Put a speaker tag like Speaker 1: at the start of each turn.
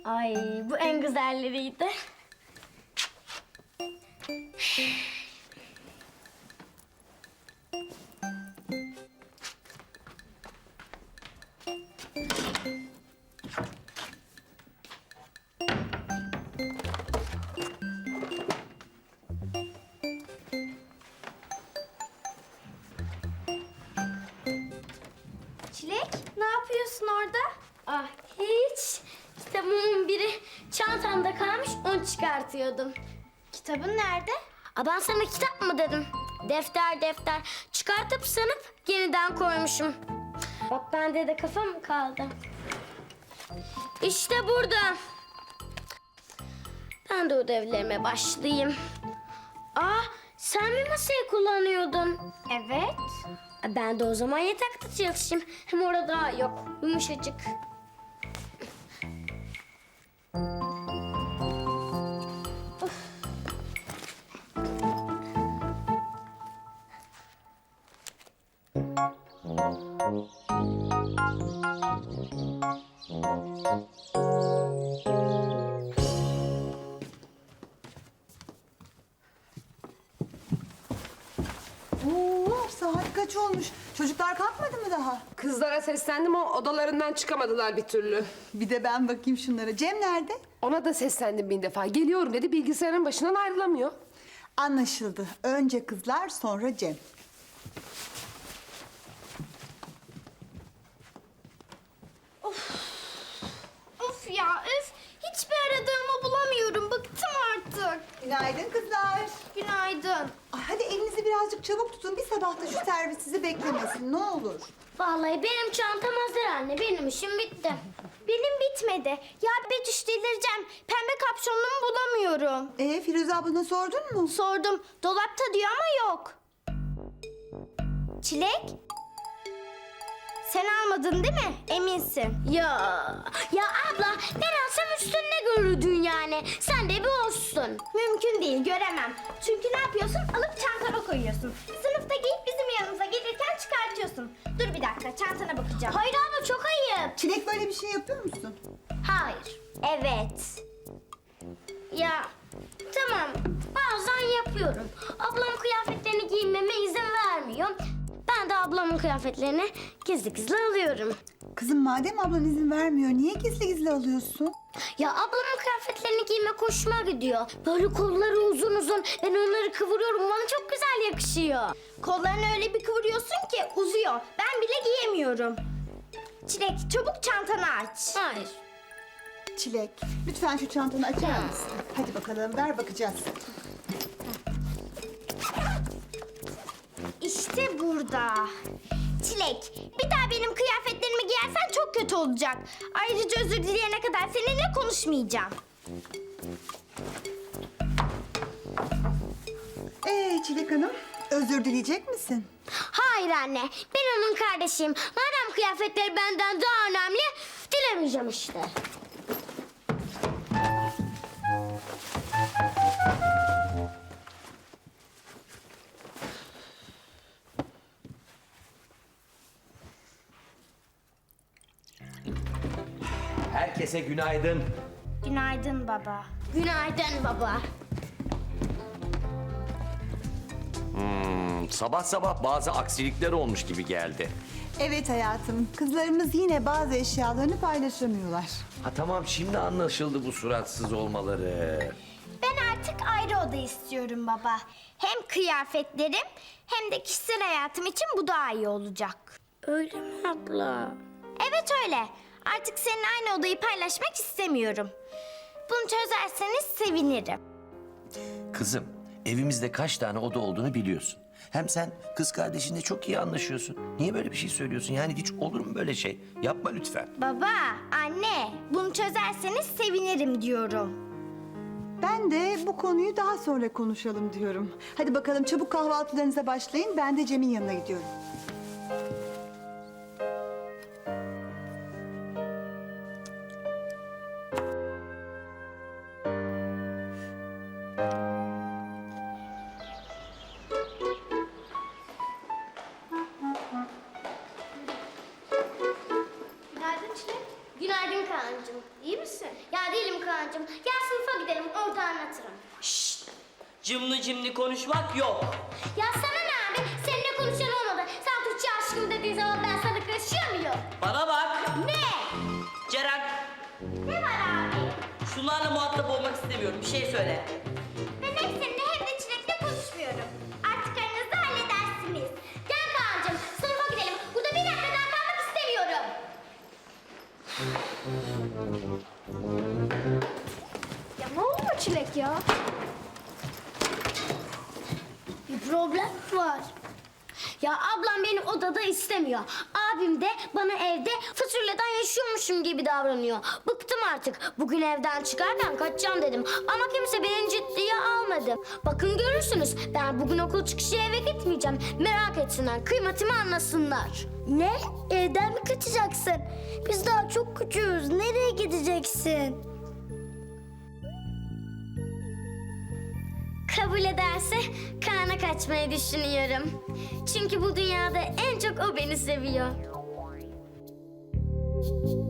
Speaker 1: Ay bu en güzelleriydi. Çilek, ne yapıyorsun orada? Ah hiç. Kitabımın biri çantamda kalmış, onu çıkartıyordum. Kitabın nerede? Ben sana kitap mı dedim? Defter. Çıkartıp sanıp yeniden koymuşum. Bak bende de kafa mı kaldı? İşte burada. Ben de ödevlerime başlayayım. Sen mi masayı kullanıyordun? Evet. Ben de o zaman yatakta çalışayım. Hem orada yok, yumuşacık.
Speaker 2: Oo, saat kaç olmuş? Çocuklar kalkmadı mı daha?
Speaker 3: Kızlara seslendim ama odalarından çıkamadılar bir türlü.
Speaker 2: Bir de ben bakayım şunlara. Cem nerede?
Speaker 3: Ona da seslendim bin defa. Geliyorum dedi, bilgisayarın başından ayrılamıyor.
Speaker 2: Anlaşıldı. Önce kızlar, sonra Cem.
Speaker 1: Of ya, hiçbir aradığımı bulamıyorum. Bıktım artık.
Speaker 2: Günaydın kızlar.
Speaker 1: Günaydın.
Speaker 2: Ay, hadi elinizi birazcık çabuk tutun. Bir sabah da şu servis sizi beklemesin. Ne olur.
Speaker 1: Vallahi benim çantam hazır anne. Benim işim bitti. Benim bitmedi. Ya Betüş delireceğim. Pembe kapşonluğumu bulamıyorum.
Speaker 2: Firuze ablana sordun mu?
Speaker 1: Sordum. Dolapta diyor ama yok. Çilek? Sen almadın değil mi? Eminsin. Ya abla ben alsam üstünde görürdün yani. Sen de bir olsun. Mümkün değil göremem. Çünkü ne yapıyorsun? Alıp çantana koyuyorsun. Sınıfta giyip bizim yanımıza gelirken çıkartıyorsun. Dur bir dakika çantana bakacağım. Hayır abla çok ayıp.
Speaker 2: Çilek böyle bir şey yapıyor musun?
Speaker 1: Hayır. Evet. Ya tamam bazen yapıyorum. Ablam kıyafetlerini giymeme izin vermiyor. Ben de ablamın kıyafetlerini gizli alıyorum.
Speaker 2: Kızım madem ablan izin vermiyor, niye gizli gizli alıyorsun?
Speaker 1: Ya ablamın kıyafetlerini giymek hoşuma gidiyor. Böyle kolları uzun. Ben onları kıvırıyorum. Bana çok güzel yakışıyor. Kollarını öyle bir kıvırıyorsun ki uzuyor. Ben bile giyemiyorum. Çilek çabuk çantanı aç. Hayır.
Speaker 2: Çilek, lütfen şu çantanı açar mısın? Hadi bakalım, ver bakacağız.
Speaker 1: İşte burada. Çilek, bir daha benim kıyafetlerimi giyersen çok kötü olacak. Ayrıca özür dileyene kadar seninle konuşmayacağım.
Speaker 2: Çilek Hanım, özür dileyecek misin?
Speaker 1: Hayır anne, ben onun kardeşiyim. Madem kıyafetleri benden daha önemli, dilemeyeceğim işte.
Speaker 4: Herkese günaydın.
Speaker 1: Günaydın baba. Günaydın baba.
Speaker 4: Sabah sabah bazı aksilikler olmuş gibi geldi.
Speaker 2: Evet hayatım, kızlarımız yine bazı eşyalarını paylaşamıyorlar.
Speaker 4: Tamam şimdi anlaşıldı bu suratsız olmaları.
Speaker 1: Ben artık ayrı oda istiyorum baba. Hem kıyafetlerim hem de kişisel hayatım için bu daha iyi olacak. Öyle mi abla? Evet öyle. Artık seninle aynı odayı paylaşmak istemiyorum. Bunu çözerseniz sevinirim.
Speaker 4: Kızım evimizde kaç tane oda olduğunu biliyorsun. Hem sen kız kardeşinle çok iyi anlaşıyorsun. Niye böyle bir şey söylüyorsun? Yani hiç olur mu böyle şey? Yapma lütfen.
Speaker 1: Baba, anne, bunu çözerseniz sevinirim diyorum.
Speaker 2: Ben de bu konuyu daha sonra konuşalım diyorum. Hadi bakalım çabuk kahvaltılarınıza başlayın. Ben de Cem'in yanına gidiyorum.
Speaker 1: Günaydın Çilek. Günaydın Kaan'cığım. İyi misin? Ya değilim Kaan'cığım. Gel sınıfa gidelim, orada anlatırım.
Speaker 5: Cımlı cimli konuşmak yok.
Speaker 1: Ya sana ne abi? Seninle konuşan olmadı. Sen Tuğçe aşkım dediğin zaman ben sana karışıyor muyum?
Speaker 5: Bana bak.
Speaker 1: Ne?
Speaker 5: Ceren,
Speaker 1: Ne var abi?
Speaker 5: şunlarla muhatap olmak istemiyorum. Bir şey söyle.
Speaker 1: Ben hem seninle hem de Çilek'le konuşmuyorum. Artık aranızda halledersiniz. Gel Kaan'cığım, sınıfa gidelim. Burada bir dakika daha kalmak istemiyorum. Ya ne oluyor Çilek ya? Bir problem var. Ya ablam beni odada istemiyor. Abim de bana evde fasulyeden yaşıyormuşum gibi davranıyor. Bıktım artık. Bugün evden çıkarken kaçacağım dedim. Ama kimse beni ciddiye almadı. Bakın görürsünüz. Ben bugün okul çıkışı eve gitmeyeceğim. Merak etsinler. Kıymetimi anlasınlar. Ne? Evden mi kaçacaksın? Biz daha çok küçüğüz. Nereye gideceksin? Kabul ederse Kaan'a kaçmayı düşünüyorum. Çünkü bu dünyada en çok o beni seviyor.